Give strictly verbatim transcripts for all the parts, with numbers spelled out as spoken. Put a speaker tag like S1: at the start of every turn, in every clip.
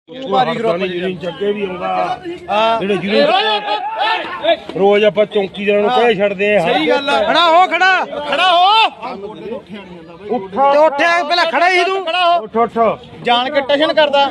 S1: ਭਾਰੀ ਗਰੁੱਪ ਜੱਗੇ ਵੀ ਆਉਂਦਾ ਜਿਹੜੇ ਜਿਹਨੂੰ ਰੋਜ਼ ਆਪਾਂ ਚੌਂਕੀਦਾਰਾਂ ਨੂੰ ਕਹਿ ਛੱਡਦੇ ਆ।
S2: ਸਹੀ ਗੱਲ ਆ। ਖੜਾ ਹੋ ਖੜਾ ਖੜਾ ਹੋ
S1: ਉੱਠਾ
S2: ਤੇ ਉੱਠਿਆ ਪਹਿਲਾਂ ਖੜਾ ਹੀ ਤੂੰ ਖੜਾ ਹੋ
S1: ਉੱਠ ਉੱਠ
S2: ਜਾਣ ਕੇ ਟਸ਼ਨ ਕਰਦਾ।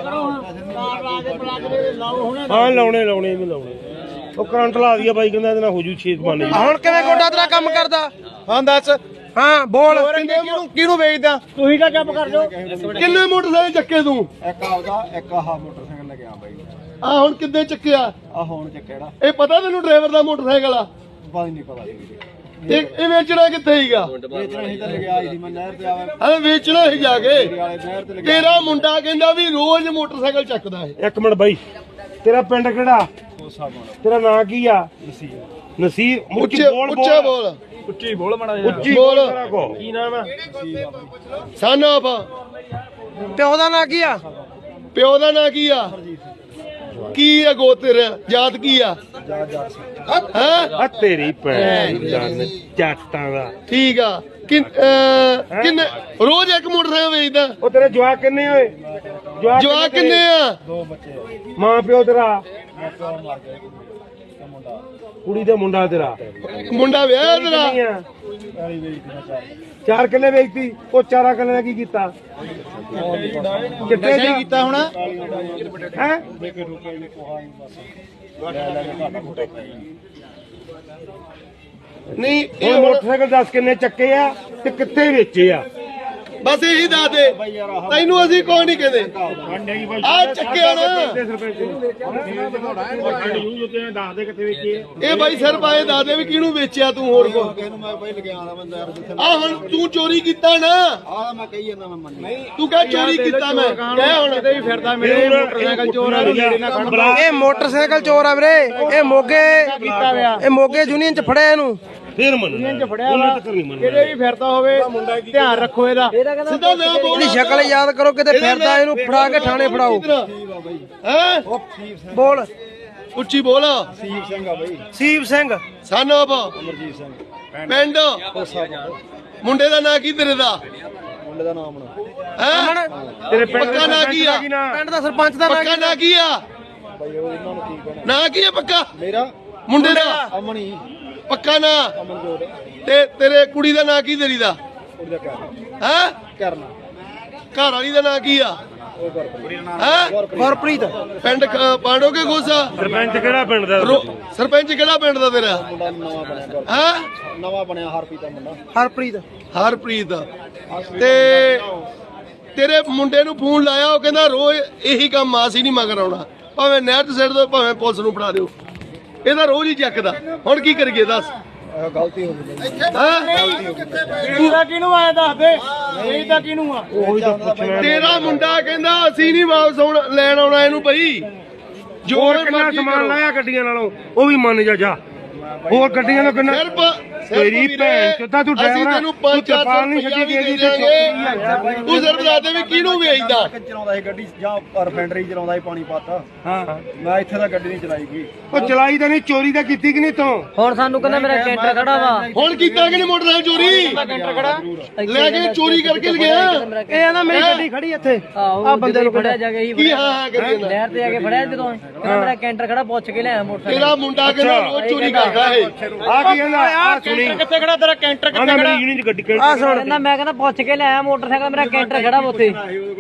S1: ਹਾਂ ਲਾਉਣੇ ਲਾਉਣੇ ਵੀ ਲਾਉਣੇ ਉਹ ਕਰੰਟ ਲਾ ਦਿਆ ਬਾਈ ਕਹਿੰਦਾ ਇਹਦੇ ਨਾਲ ਹੋ ਜੂ ਛੇਤ ਬਣ
S2: ਹੁਣ ਕਿਵੇਂ ਗੋਡਾ ਤੇਰਾ ਕੰਮ ਕਰਦਾ? ਹਾਂ ਦੱਸ। ਹਾਂ ਬੋਲ ਕਿਹਨੂੰ ਕਿਹਨੂੰ ਵੇਚਦਾ? ਤੁਸੀਂ ਤਾਂ ਚੁੱਪ ਕਰ ਜਾਓ।
S3: ਕਿੰਨੇ ਮੋਟਰਸਾਈਕਲ ਚੱਕੇ ਤੂੰ?
S4: ਇੱਕ ਆਉਦਾ ਇੱਕ ਆਹ ਮੋਟਰਸਾਈਕਲ ਲੱਗਿਆ ਬਾਈ
S3: ਆ ਹੁਣ ਕਿੱਦੇ ਚੱਕਿਆ?
S4: ਆ ਹੁਣ ਚੱਕਿਆ
S3: ਇਹ ਪਤਾ ਤੈਨੂੰ ਡਰਾਈਵਰ ਦਾ ਮੋਟਰਸਾਈਕਲ ਆ?
S4: ਬਾਈ ਨਹੀਂ ਪਤਾ ਸੀ
S3: ਤੇ ਇਹ ਵੇਚਣਾ ਕਿੱਥੇ ਹੀਗਾ?
S4: ਵੇਚਣਾ ਹੀ ਤਾਂ ਲੱਗਿਆ ਸੀ ਮੈਂ ਨਹਿਰ ਤੇ ਆਵੇ
S3: ਹਾਂ ਵੇਚਣਾ ਹੀ ਜਾ ਕੇ।
S4: ਵਾਲੇ ਨਹਿਰ ਤੇ ਲੱਗਿਆ
S3: ਤੇਰਾ ਮੁੰਡਾ ਕਹਿੰਦਾ ਵੀ ਰੋਜ਼ ਮੋਟਰਸਾਈਕਲ ਚੱਕਦਾ ਹੈ।
S1: ਇੱਕ ਮਿੰਟ ਬਾਈ ਤੇਰਾ ਪਿੰਡ ਕਿਹੜਾ?
S4: ਕੋਸਾ ਬਣ
S1: ਤੇਰਾ ਨਾਂ ਕੀ ਆ?
S4: ਨਸੀਬ
S1: ਨਸੀਰ
S3: ਉੱਚੇ ਉੱਚੇ ਬੋਲ
S4: ਉੱਚੀ ਬੋਲ ਮੜਾ
S1: ਉੱਚੀ
S3: ਬੋਲ।
S1: ਬੋਲ ਤੇਰਾ ਕੋ ਕੀ ਨਾਮ ਆ?
S3: ਸਨ ਆਫ
S2: ਪਿਓ ਦਾ ਨਾਂ ਕੀ ਆ?
S3: ਪਿਓ ਦਾ ਨਾਂ ਕੀ ਆ? ਕੀ ਆ ਗੋ ਤੇਰਾ? ਜਾਤ ਕੀ ਆ? ਹੈ
S1: ਆ ਤੇਰੀ ਭੈਣ ਦਾ ਚਾਟਾਂ ਦਾ।
S3: ਠੀਕ ਆ। ਕਿੰਨ- ਅਹ, ਕਿੰਨੇ ਰੋਜ਼ ਇੱਕ ਮੋਟਰਸਾਈਕਲ ਵੇਚਦਾ?
S1: ਉਹ ਤੇਰੇ ਜਵਾਕ ਕਿੰਨੇ ਹੋਏ?
S3: ਜਵਾਕ ਕਿੰਨੇ ਆ?
S4: ਦੋ ਬੱਚੇ
S1: ਮਾਂ ਪਿਓ ਤੇਰਾ?
S4: ਪਿਓ ਮਰ ਗਿਆ ਤੇ ਮੁੰਡਾ
S1: ਕੁੜੀ ਦਾ ਮੁੰਡਾ ਤੇਰਾ?
S3: ਮੁੰਡਾ ਵਿਆਹ ਤੇਰਾ?
S1: ਕਿੰਨੀਆਂ?
S4: ਪੈਲੀ ਵੇਚਦੀ ਨਾ ਚਾਰ
S1: ਚਾਰ ਕਿੱਲੇ ਵੇਚਤੀ। ਉਹ ਚਾਰਾ ਕਿੱਲੇ ਦਾ ਕੀ ਕੀਤਾ? ਕਿੱਥੇ
S2: ਨਸ਼ਾ ਹੀ ਕੀਤਾ ਹੁਣ।
S1: ਹੈ
S4: ਦੇਖੇ ਰੁਕੇ ਵੀ ਕੋਹਾ ਹੀ ਬਸ ਲੈ ਲੈ ਕੇ ਘਾਟਾ ਘੁਟਾ ਪੈ
S3: ਨਹੀਂ
S1: ਉਹ
S3: ਇਹ ਹੁਣ
S1: ਮੋਟਰਸਾਈਕਲ ਦੱਸ ਕਿੰਨੇ ਚੱਕੇ ਆ ਤੇ ਕਿੱਥੇ ਵੇਚੇ ਆ?
S3: ਬਸ ਇਹੀ ਦੱਸ ਦੇ। ਤੈਨੂੰ ਅਸੀਂ ਕੋਈ ਨਹੀਂ ਕਹਿੰਦੇ। ਆ ਚੱਕਿਆ ਨਾ
S1: ਦੱਸ ਦੇ ਕਿੱਥੇ ਵੇਚੇ।
S3: ਇਹ ਬਾਈ ਸਿਰ ਪਾਏ ਦੱਸ ਦੇ ਵੀ ਕਿਹਨੂੰ ਵੇਚਿਆ ਤੂੰ ਹੋਰ ਕੋ?
S4: ਇਹਨੂੰ ਮੈਂ ਬਾਈ ਲਗਿਆ ਆਣਾ ਬੰਦਾ ਯਾਰ ਜਿੱਥੇ
S3: ਆ ਹੁਣ ਤੂੰ ਚੋਰੀ ਕੀਤਾ ਨਾ?
S4: ਆ ਮੈਂ ਕਹੀ ਜਾਂਦਾ ਮੈਂ ਮੰਨ
S3: ਤੂੰ ਕਹਿ ਚੋਰੀ ਕੀਤਾ ਮੈਂ ਕਹਿ ਹੁਣ
S2: ਕਿਤੇ ਵੀ ਫਿਰਦਾ ਮੇਰੇ ਮੋਟਰਸਾਈਕਲ ਚੋਰ ਆ ਮੇਰੇ ਨਾਲ ਖੜਨ
S1: ਬੁਲਾ।
S2: ਇਹ ਮੋਟਰਸਾਈਕਲ ਚੋਰ ਆ ਵੀਰੇ। ਇਹ ਮੋਗੇ ਇਹ ਮੋਗੇ ਯੂਨੀਅਨ ਚ ਫੜਿਆ ਇਹਨੂੰ।
S1: ਫੇਰ ਮੰਨ
S2: ਫੜਿਆ ਵਾ ਕਿਤੇ ਵੀ ਫਿਰਦਾ ਹੋਵੇ ਧਿਆਨ ਰੱਖੋ ਇਹਦਾ।
S3: ਸਿੱਧਾ ਨਾ ਬੋਲ।
S2: ਇਹਦੀ ਸ਼ਕਲ ਯਾਦ ਕਰੋ ਕਿਤੇ ਫਿਰਦਾ ਇਹਨੂੰ ਫੜਾ ਕੇ ਥਾਣੇ ਫੜਾਓ।
S3: ਹੈ
S2: ਬੋਲ
S3: ਉੱਚੀ ਬੋਲ।
S4: ਸੀਪ ਸਿੰਘ ਆ ਬਾਈ
S2: ਸੀਪ ਸਿੰਘ
S3: ਸਨ ਆਫ
S4: ਅਮਰਜੀਤ ਸਿੰਘ
S3: ਪਿੰਡ
S4: ਕੋਸਾ ਬਣ
S3: ਮੁੰਡੇ ਦਾ ਨਾਂ ਕੀ ਤੇਰੇ ਦਾ?
S4: ਮੁੰਡੇ ਦਾ ਨਾਮ ਨਾ
S3: ਹੈ
S1: ਤੇਰੇ ਪਿੰਡ
S3: ਪੱਕਾ ਨਾਂ ਕੀ ਆ?
S2: ਪਿੰਡ ਦਾ ਸਰਪੰਚ ਦਾ ਨਾਂ
S3: ਪੱਕਾ ਨਾਂ ਕੀ ਆ?
S4: ਬਾਈ ਉਹ ਇਹਨਾਂ ਨੂੰ ਕੀ ਕਹਿਣਾ
S3: ਨਾਂ ਕੀ ਆ ਪੱਕਾ
S4: ਮੇਰਾ
S3: ਮੁੰਡੇ ਦਾ?
S4: ਅਮਣੀ
S3: ਪੱਕਾ ਨਾਂ?
S4: ਅਮਨਜੋਤ
S3: ਤੇ ਤੇਰੇ ਕੁੜੀ ਦਾ ਨਾਂ ਕੀ ਤੇਰੀ ਦਾ?
S4: ਉਹਦਾ ਕਰਨਾ
S3: ਹੈ
S4: ਕਰਨਾ
S3: ਘਰ ਵਾਲੀ ਦਾ ਨਾਂ ਕੀ ਆ?
S4: ਉਹ ਗੁਰਪ੍ਰੀਤ
S3: ਹੈ
S2: ਗੁਰਪ੍ਰੀਤ
S3: ਪਿੰਡ ਖ- ਪਾਂਡੋਗੇ ਗੋਸਾ?
S1: ਸਰਪੰਚ ਕਿਹੜਾ ਪਿੰਡ ਦਾ?
S3: ਰੋ- ਸਰਪੰਚ ਕਿਹੜਾ ਪਿੰਡ ਦਾ ਤੇਰਾ?
S4: ਮੁੰਡਾ ਨਵਾਂ ਬਣਿਆ ਗੁਰ-
S3: ਹੈ
S4: ਨਵਾਂ ਬਣਿਆ ਹਰਪ੍ਰੀਤ ਦਾ ਮੁੰਡਾ
S2: ਹਰਪ੍ਰੀਤ
S3: ਹਰਪ੍ਰੀਤ। ਤੇ ਤੇਰੇ ਮੁੰਡੇ ਨੂੰ ਫੋਨ ਲਾਇਆ ਉਹ ਕਹਿੰਦਾ ਰੋਜ਼ ਇਹੀ ਕੰਮ ਆ, ਅਸੀਂ ਨਹੀਂ ਮਗਰ ਆਉਣਾ, ਭਾਵੇਂ ਨਹਿਰ 'ਚ ਸਿੱਟ ਦਿਓ ਭਾਵੇਂ ਪੁਲਿਸ ਨੂੰ ਫੜਾ ਦਿਓ, ਇਹਦਾ ਰੋਜ਼ ਹੀ ਚੱਕਦਾ। ਹੁਣ ਕੀ ਕਰੀਏ ਦੱਸ?
S4: ਇਹ ਗਲਤੀ ਹੋ ਗਈ
S3: ਹੈਂ?
S2: ਇਹਦਾ ਕਿਹਨੂੰ ਆਇਆ ਦੱਸ ਦੇ। ਇਹਦਾ ਕਿਹਨੂੰ ਆ?
S1: ਉਹੀ ਤਾਂ ਪੁੱਛਣਾ।
S3: ਤੇਰਾ ਮੁੰਡਾ ਕਹਿੰਦਾ ਅਸੀਂ ਨਹੀਂ ਵਾਪਸ ਆਉਣ ਲੈਣ ਆਉਣਾ ਇਹਨੂੰ ਬਈ। ਜੋ
S1: ਹੋਰ ਕਿੰਨਾ
S3: ਮਰਜ਼ੀ
S1: ਸਮਾਨ
S3: ਕਰੋ।
S1: ਲਾਇਆ ਗੱਡੀਆਂ ਨਾਲੋਂ ਉਹ ਵੀ ਮੰਨ ਜਾ ਜਾ। ਹੋਰ ਗੱਡੀਆਂ ਦਾ ਕਿੰਨਾ?
S3: ਸਿਰਫ
S1: ਤੇਰੀ ਭੈਣ ਚੋਦਾ ਤੂੰ
S3: ਅਸੀਂ
S1: ਡਰਾਈਵਰ ਆ।
S3: ਤੈਨੂੰ
S1: ਤੂੰ
S3: ਪੰਜ ਚਾਰ
S1: ਤਰਪਾਲ ਨਹੀਂ
S3: ਸੌ
S1: ਛੱਡੀ
S3: ਰੁਪਇਆ
S1: ਗਈ
S3: ਵੀ
S1: ਤੇ
S3: ਦੇ ਦਿਆਂਗੇ। ਤੂੰ ਸਿਰਫ ਦੱਸ ਦੇ ਵੀ ਕਿਹਨੂੰ ਵੇਚਦਾ?
S4: ਚਲਾਉਂਦਾ ਸੀ ਗੱਡੀ ਜਾਂ ਰਿਫਾਈਨਰੀ ਚਲਾਉਂਦਾ ਸੀ ਪਾਣੀ ਪਾਤਾ
S1: ਹਾਂ
S4: ਮੈਂ ਇੱਥੇ ਤਾਂ ਗੱਡੀ ਨਹੀਂ ਚਲਾਈ ਗਈ
S1: ਉਹ ਚਲਾਈ ਤਾਂ ਨਹੀਂ, ਚੋਰੀ ਤਾਂ ਕੀਤੀ ਕਿ ਨਹੀਂ ਤੂੰ?
S5: ਹੁਣ ਸਾਨੂੰ ਕਹਿੰਦਾ ਮੇਰਾ ਕੈਂਟਰ ਖੜਾ ਵਾ।
S3: ਹੁਣ ਕੀਤਾ ਕਿ ਨਹੀਂ ਮੋਟਰਸਾਈਕਲ ਚੋਰੀ?
S2: ਕੈਂਟਰ ਖੜਾ
S3: ਲੈ ਕੇ ਚੋਰੀ ਕਰਕੇ ਲਗਿਆ।
S2: ਇਹ ਆਂਦਾ ਮੇਰੀ ਗੱਡੀ ਖੜੀ ਇੱਥੇ।
S5: ਆ ਬੰਦੇ ਨੂੰ ਫੜਿਆ ਜਾ ਕੇ ਹੀ
S3: ਕੀ ਹਾਂ ਹਾਂ ਕਰੀ ਜਾਂਦਾ?
S5: ਨਹਿਰ ਤੇ ਜਾ ਕੇ ਫੜਿਆ ਜਦੋਂ ਕਹਿੰਦਾ ਮੇਰਾ ਕੈਂਟਰ ਖੜਾ ਪੁੱਛ ਕੇ ਲਿਆ ਮੋਟਰਸਾਈਕਲ।
S3: ਤੇਰਾ ਮੁੰਡਾ ਕਹਿੰਦਾ ਰੋਜ਼ ਚੋਰੀ ਕਰਦਾ ਇਹ।
S1: ਆ ਕੀ ਕਹਿੰਦਾ? ਆ ਸੁਣੀ
S2: ਕਿੱਥੇ ਖੜਾ ਤੇਰਾ ਕੈਂਟਰ?
S1: ਕਹਿੰਦਾ ਮੇਰੀ ਯੂਨੀਅਨ ਚ ਗੱਡੀ
S2: ਆ ਸੁਣ
S5: ਕਹਿੰਦਾ ਮੈਂ ਕਹਿੰਦਾ ਪੁੱਛ ਕੇ ਲਿਆ ਮੋਟਰਸਾਈਕਲ ਮੇਰਾ ਕੈਂਟਰ ਖੜਾ ਵਾ ਉੱਥੇ।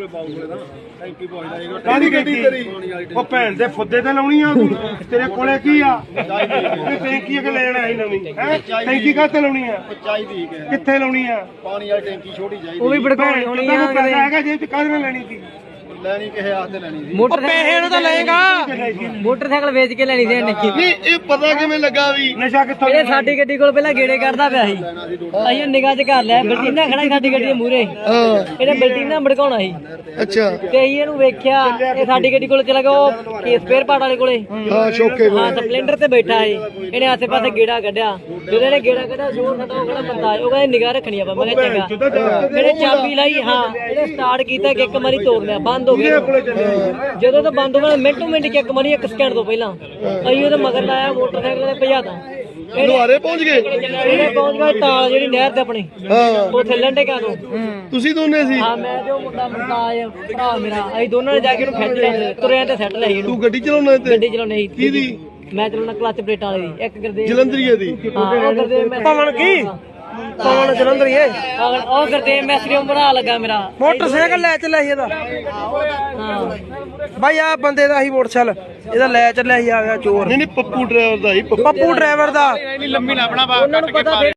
S1: ਕਾਹਦੀ ਗੱਡੀ ਤੇਰੀ? ਉਹ ਭੈਣ ਦੇ ਫੁੱਦੇ ਤੇ ਲਾਉਣੀ ਆ ਤੂੰ? ਤੇਰੇ ਕੋਲੇ ਕੀ ਆ? ਤੇ ਟੈਂਕੀ ਕਿ ਲੈਣ ਆਈ ਨਵੀਂ ਹੈ? ਟੈਂਕੀ ਕਾਹਤੇ ਲਾਉਣੀ ਆ?
S4: ਚਾਹੀਦੀ ਕਿ
S1: ਕਿੱਥੇ ਲਾਉਣੀ ਆ?
S4: ਪਾਣੀ ਵਾਲੀ ਟੈਂਕੀ ਛੋਟੀ ਚਾਹੀਦੀ
S5: ਉਹ ਵੀ ਭੜਕਾਉਣੀ
S1: ਭੈਣ
S5: ਹੋਣੀ
S1: ਤੈਨੂੰ
S5: ਆ
S1: ਪੈਸਾ ਹੈਗਾ ਜੇ ਤੇ ਕਾਹਦੇ ਨਾਲ ਲੈਣੀ ਸੀ?
S4: ਲੈਣੀ ਕਿਸੇ ਆਸਤੇ ਲੈਣੀ ਸੀ
S2: ਪੈਸੇ ਨੂੰ ਤਾਂ ਲਏਗਾ।
S5: ਮੋਟਰਸਾਈਕਲ ਵੇਚ ਕੇ ਲੈਣੀ ਸੀ ਇਹਨੇ।
S3: ਨਹੀਂ ਇਹ ਪਤਾ ਕਿਵੇਂ ਲੱਗਾ ਵੀ?
S1: ਨਸ਼ਾ ਕਿੱਥੋਂ?
S5: ਇਹ ਸਾਡੀ ਗੱਡੀ ਕੋਲ ਪਹਿਲਾਂ ਗੇੜੇ ਕਰਦਾ ਪਿਆ ਸੀ। ਅਸੀਂ ਨਿਗਾਹ 'ਚ ਕਰ ਲਿਆ ਬਲਟੀਨਾ ਖੜਾ ਸੀ ਸਾਡੀ ਗੱਡੀ ਦੇ ਮੂਹਰੇ।
S3: ਹਾਂ
S5: ਇਹਨੇ ਬਲਟੀਨਾ ਭੜਕਾਉਣਾ ਸੀ
S3: ਅੱਛਾ
S5: ਤੇ ਅਸੀਂ ਇਹਨੂੰ ਵੇਖਿਆ ਇਹ ਸਾਡੀ ਗੱਡੀ ਕੋਲ ਚਲਾ ਗਿਆ ਉਹ ਕੇਸ ਸਪੇਅਰ ਪਾਰਟ ਵਾਲੇ ਕੋਲੇ।
S3: ਹਾਂ ਸ਼ੋਕੇ
S5: ਹਾਂ ਸਪਲੈਂਡਰ ਤੇ ਬੈਠਾ ਏ। ਇਹਨੇ ਆਸੇ ਪਾਸੇ ਗੇੜਾ ਕੱਢਿਆ। ਜਦੋਂ ਇਹਨੇ ਗੇੜਾ ਕੱਢਿਆ ਜ਼ੋਰ ਸਾਡਾ ਉਹ ਕਿਹੜਾ ਬੰਦਾ ਆਇਆ, ਉਹ ਕਹਿੰਦਾ ਨਿਗਾਹ ਰੱਖਣੀ ਆਪਾਂ। ਮੈਂ ਕਿਹਾ ਚੰਗਾ। ਇਹਨੇ ਚਾਬੀ ਲਾਈ। ਹਾਂ ਇਹਨੇ ਸਟਾਰਟ ਕੀਤਾ ਕਿ ਇੱਕ ਵਾਰੀ ਤੋੜ ਲਿਆ, ਬੰਦ ਹੋ ਗਿਆ। ਜਦੋਂ ਤਾਂ ਬੰਦ ਹੋਣਾ ਮਿੰਟੋ ਮਿੰਟ ਕਿ ਇੱਕ ਵਾਰੀ ਇੱਕ ਸਕਿੰਟ ਤੋਂ ਪਹਿਲਾਂ ਅਸੀਂ ਉਹਦੇ ਮਗਰ ਲਾਇਆ ਮੋਟਰਸਾਈਕਲ ਤੇ ਭਜਾਤਾ।
S3: ਲੁਹਾਰੇ ਪਹੁੰਚ ਗਏ
S5: ਇਹਨੇ ਪਹੁੰਚ ਗਏ ਤਾਲ ਜਿਹੜੀ ਨਹਿਰ ਤੇ ਆਪਣੀ
S3: ਹਾਂ
S5: ਉੱਥੇ ਲੰਡੇਕਾਂ ਤੋਂ
S3: ਤੁਸੀਂ ਦੋਨੇ ਸੀ
S5: ਹਾਂ ਮੈਂ ਜੋ ਮੁੰਡਾ ਮੁੰਡਾ ਭਰਾ ਮੇਰਾ ਅਸੀਂ ਦੋਨਾਂ ਨੇ ਜਾ ਕੇ ਉਹਨੂੰ ਖਿੱਚ ਲਿਆ ਤੁਰਿਆਂ ਤੇ ਸੈੱਟ ਲਈ ਇਹਨੂੰ
S3: ਤੂੰ ਗੱਡੀ ਚਲਾਉਣਾ ਤੇ
S5: ਗੱਡੀ ਚਲਾਉਣੀ ਸੀ
S3: ਕਿਹਦੀ
S5: ਮੈਂ ਚਲਾਉਣਾ ਕਲੱਚ ਪਲੇਟਾਂ ਵਾਲੀ ਦੀ ਇੱਕ ਗੁਰਦੇਵ
S3: ਜਲੰਧਰੀਏ ਦੀ
S5: ਹਾਂ ਉਹ ਗੁਰਦੇਵ ਮੈਂ
S2: ਪਵਨ ਕੀ ਪਵਨ ਜਲੰਧਰੀਏ
S5: ਉਹ ਗੁਰਦੇਵ ਮੈਸਰੀ ਬਣਾ ਲੱਗਾ ਮੇਰਾ
S2: ਮੋਟਰਸਾਈਕਲ ਲੈ ਚੱਲਿਆ ਸੀ ਇਹਦਾ
S5: ਹਾਂ
S2: ਬਾਈ ਆ ਬੰਦੇ ਦਾ ਹੀ ਮੋਟਰਸਾਈਕਲ ਇਹਦਾ ਲੈ ਚੱਲਿਆ ਸੀ ਆ ਗਿਆ ਚੋਰ
S3: ਨਹੀਂ ਨਹੀਂ ਪੱਪੂ ਡਰਾਈਵਰ ਦਾ ਹੀ
S2: ਪੱਪੂ ਡਰਾਈਵਰ ਦਾ
S5: ਉਹਨਾਂ ਨੂੰ ਪਤਾ ਫਿਰ